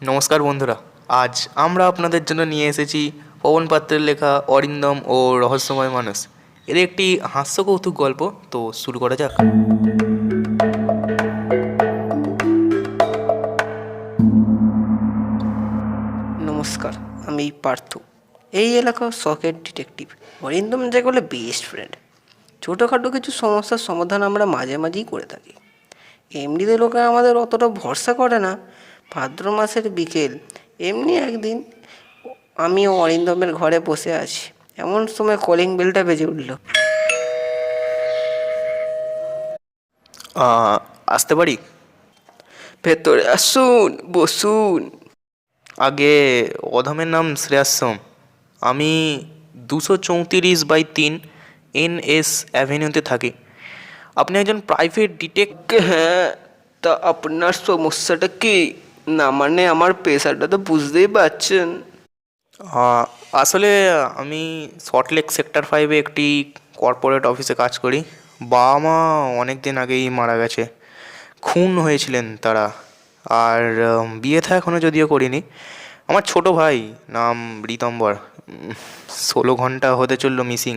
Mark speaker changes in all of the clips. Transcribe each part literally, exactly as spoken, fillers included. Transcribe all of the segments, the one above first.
Speaker 1: নমস্কার বন্ধুরা। আজ আমরা আপনাদের জন্য নিয়ে এসেছি পবন পাত্রের লেখা অরিন্দম ও রহস্যময় মানুষ এর একটি হাস্যকৌতুক গল্প। তো শুরু করা যাক।
Speaker 2: নমস্কার, আমি পার্থ। এই এলাকার শখের ডিটেকটিভ অরিন্দম যেগুলো বেস্ট ফ্রেন্ড। ছোটোখাটো কিছু সমস্যার সমাধান আমরা মাঝে মাঝেই করে থাকি। এমনিতে লোকে আমাদের অতটা ভরসা করে না। ভাদ্র মাসের বিকেল, এমনি একদিন আমিও অরিন্দমের ঘরে বসে আছি, এমন সময় কলিং বেলটা বেজে উঠল।
Speaker 1: আহ, আসতে পারি?
Speaker 2: ভেতরে আসুন, বসুন।
Speaker 1: আগে, অধমের নাম শ্রেয়াশ্রম। আমি দুশো চৌত্রিশ বাই তিন এন এস অ্যাভিনিউতে থাকি। আপনি একজন প্রাইভেট ডিটেক্ট।
Speaker 2: হ্যাঁ, তা আপনার সমস্যাটা কি? না মানে আমার পেশাটা তো বুঝতেই পারছেন।
Speaker 1: আহ, আসলে আমি সল্টলেক সেক্টর ফাইভে একটি কর্পোরেট অফিসে কাজ করি। বাবা মা অনেক দিন আগেই মারা গেছে। খুন হয়েছিলেন তারা। আর উম, বিয়ে থা এখনও যদিও করিনি। আমার ছোট ভাই, নাম রীতম্বর, উম, ষোলো ঘন্টা হতে চললো মিসিং।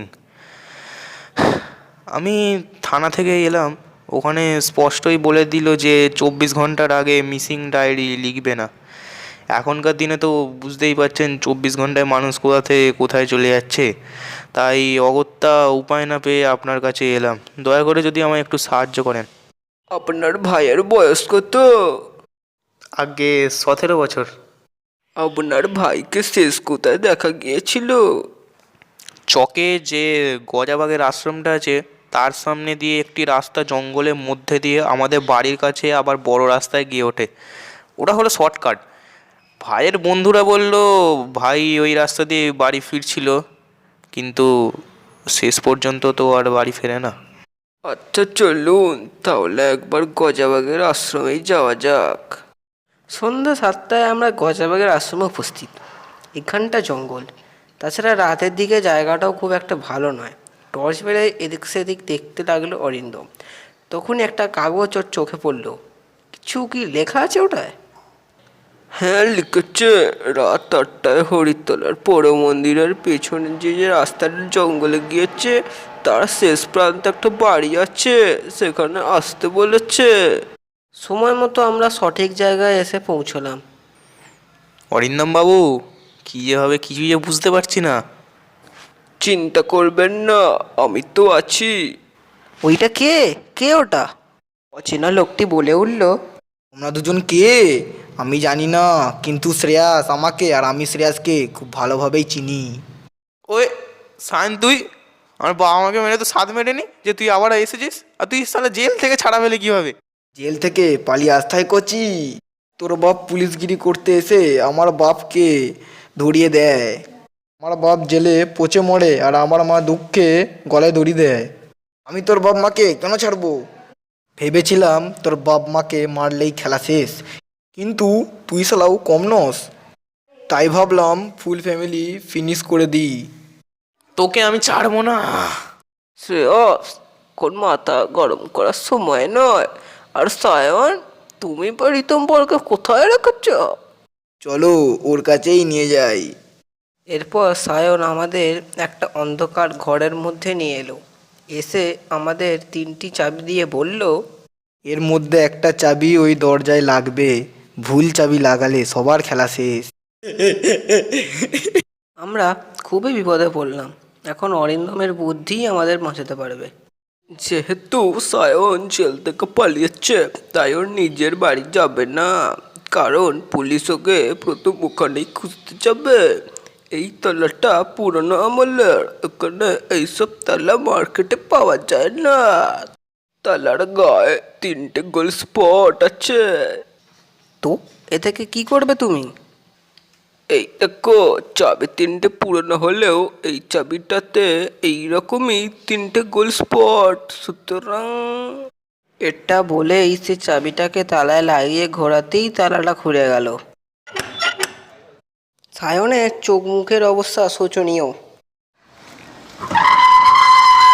Speaker 1: আমি থানা থেকে এলাম, ওখানে স্পষ্টই বলে দিল যে চব্বিশ ঘন্টার আগে মিসিং ডায়েরি লিখবে না। এখনকার দিনে তো বুঝতেই পারছেন চব্বিশ ঘন্টায় মানুষ কোথা থেকে কোথায় চলে যাচ্ছে। তাই অগত্যা উপায় না পেয়ে আপনার কাছে এলাম। দয়া করে যদি আমায় একটু সাহায্য করেন।
Speaker 2: আপনার ভাইয়ের বয়স কত?
Speaker 1: আগে সতেরো বছর।
Speaker 2: আপনার ভাইকে শেষ কোথায় দেখা গিয়েছিল?
Speaker 1: চকে যে গজাবাগের আশ্রমটা আছে তার সামনে দিয়ে একটি রাস্তা জঙ্গলের মধ্যে দিয়ে আমাদের বাড়ির কাছে আবার বড় রাস্তায় গিয়ে ওঠে। ওটা হলো শর্টকাট। ভাইয়ের বন্ধুরা বলল ভাই ওই রাস্তা দিয়ে বাড়ি ফিরছিল, কিন্তু শেষ পর্যন্ত তো আর বাড়ি ফেরে না।
Speaker 2: আচ্ছা চলুন তাহলে একবার গজাবাগের আশ্রমেই যাওয়া যাক। সন্ধ্যা সাতটায় আমরা গজাবাগের আশ্রমে উপস্থিত। এখানটা জঙ্গল, তাছাড়া রাতের দিকে জায়গাটাও খুব একটা ভালো নয়। টর্চ বেড়ে এদিক সেদিক দেখতে লাগলো অরিন্দম। তখন একটা কাগজ ওর চোখে পড়লো। কিছু কি লেখা আছে ওটায়? হ্যাঁ লিখেছে, রাত আটটায় হরিতলার পৌর মন্দিরের পেছনে যে যে রাস্তাটা জঙ্গলে গিয়েছে তার শেষ প্রান্তে একটা বাড়ি আছে, সেখানে আসতে বলেছে। সময় মতো আমরা সঠিক জায়গায় এসে পৌঁছলাম।
Speaker 1: অরিন্দম বাবু, কী যে হবে কিছুই যে বুঝতে পারছি না।
Speaker 2: চিন্তা করবেন না, আমি তো আছি। ওইটা কে? কে ওটা? অচেনা লোকটি বলে উঠল।
Speaker 3: তোমরা দুজন কে আমি জানি না, কিন্তু শ্রেয়াস আমাকে আর আমি শ্রেয়াসকে খুব ভালোভাবেই চিনি।
Speaker 1: ওই সায়ন, তুই আমার বাবা মাকে মেরে তো সাথ মেরেনি যে তুই আবার এসেছিস, আর তুই সালা জেল থেকে ছাড়া পেলে কীভাবে?
Speaker 3: জেল থেকে পালিয়ে আসতাই করছি। তোর বাপ পুলিশগিরি করতে এসে আমার বাপকে ধরিয়ে দেয়। আমার বাপ জেলে পচে মরে আর আমার মা দুঃখে গলায় দড়ি দেয়। আমি তোর বাপ মাকে কেন ছাড়বো? ভেবেছিলাম তোর বাপ মাকে মারলেই খেলা শেষ, কিন্তু তুই শালাও কম নস। তাই ভাবলাম ফুল ফ্যামিলি ফিনিশ করে দিই।
Speaker 1: তোকে আমি ছাড়বো না।
Speaker 2: শ্রেয়স, কোন মাথা গরম করার সময় নয়। আর সায়ন, তুমি বা ঋতম্বরকে কোথায় রেখেছ?
Speaker 3: চলো ওর কাছেই নিয়ে যাই।
Speaker 2: এরপর সায়ন আমাদের একটা অন্ধকার ঘরের মধ্যে নিয়ে এলো। এসে আমাদের তিনটি চাবি দিয়ে বলল,
Speaker 3: এর মধ্যে একটা চাবি ওই দরজায় লাগবে, ভুল চাবি লাগালে সবার খেলা শেষ।
Speaker 2: আমরা খুবই বিপদে পড়লাম। এখন অরিন্দমের বুদ্ধিই আমাদের বাঁচাতে পারবে। যেহেতু সায়ন জেল থেকে পালিয়েছে, তাই ওর নিজের বাড়ি যাবে না, কারণ পুলিশ ওকে প্রথম ওখানেই খুঁজতে যাবে। এই তালাটা পুরনো আমলের, এখানে এইসব তালা মার্কেটে পাওয়া যায় না। তালার গায়ে তিনটে গোল স্পট আছে। তো এ থেকে কি করবে তুমি? এই দেখো, চাবি তিনটে পুরনো হলেও এই চাবিটাতে এইরকমই তিনটে গোল স্পট, সুতরাং এটা বলেই সে চাবিটাকে তালায় লাগিয়ে ঘোরাতেই তালাটা খুলে গেল। সায়নের চোখ মুখের অবস্থা শোচনীয়।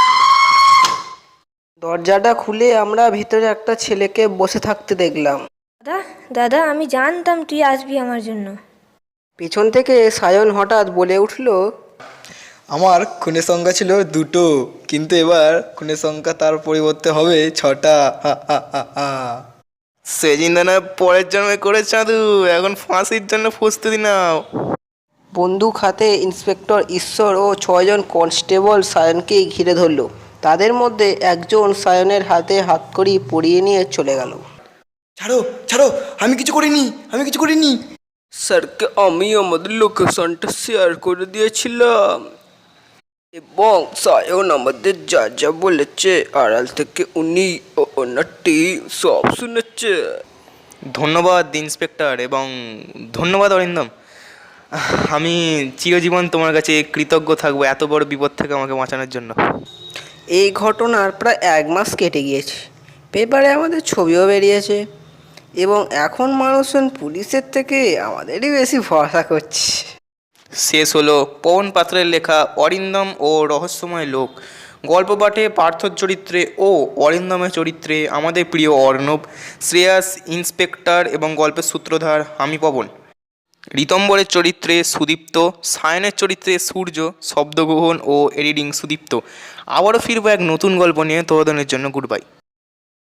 Speaker 2: দরজাটা খুলে আমরা ভিতরে একটা ছেলেকে বসে থাকতে দেখলাম।
Speaker 4: দাদা দাদা আমি জানতাম তুই আসবি আমার জন্য।
Speaker 2: পেছন থেকে সায়ন হঠাৎ বলে উঠল,
Speaker 3: আমার খুনের সংখ্যা ছিল দুটো, কিন্তু এবার খুনের সংখ্যা তার পরিবর্তে হবে ছটা। হা হা হা হা।
Speaker 1: সে চিন্তা না পরের জন্মে করে চাঁদু, এখন ফাঁসির জন্য প্রস্তুতি নাও।
Speaker 2: বন্দুক হাতে ইন্সপেক্টর ঈশ্বর ও ছয়জন কনস্টেবল সায়নকে ঘিরে ধরল। তাদের মধ্যে একজন সায়নের হাতে হাতকড়ি পরিয়ে নিয়ে চলে গেল।
Speaker 3: ছাড়ো ছাড়ো, আমি কিছু করিনি, আমি কিছু করিনি।
Speaker 2: স্যারকে আমি আমাদের লোকেশনটা শেয়ার করে দিয়েছিলাম এবং সায়ন আমাদের যা যা বলেছে আড়াল থেকে উনি ও ওনার টিম সব শুনেছে।
Speaker 1: ধন্যবাদ ইন্সপেক্টর এবং ধন্যবাদ অরিন্দম। আমি চিরজীবন তোমার কাছে কৃতজ্ঞ থাকবো এত বড় বিপদ থেকে আমাকে বাঁচানোর জন্য।
Speaker 2: এই ঘটনার প্রায় এক মাস কেটে গিয়েছে। পেপারে আমাদের ছবিও বেরিয়েছে এবং এখন মানুষজন পুলিশের থেকে আমাদেরই বেশি ভরসা করছে।
Speaker 1: শেষ হলো পবন পাত্রের লেখা অরিন্দম ও রহস্যময় লোক। গল্প পাঠে পার্থর চরিত্রে ও অরিন্দমের চরিত্রে আমাদের প্রিয় অর্ণব, শ্রেয়াস ইন্সপেক্টর এবং গল্পের সূত্রধার আমি পবন, ঋতম্বরের চরিত্রে সুদীপ্ত, সায়নের চরিত্রে সূর্য, শব্দগ্রহণ ও এডিটিং সুদীপ্ত। আবারও ফিরবো এক নতুন গল্প নিয়ে, ততদিনের জন্য গুড বাই।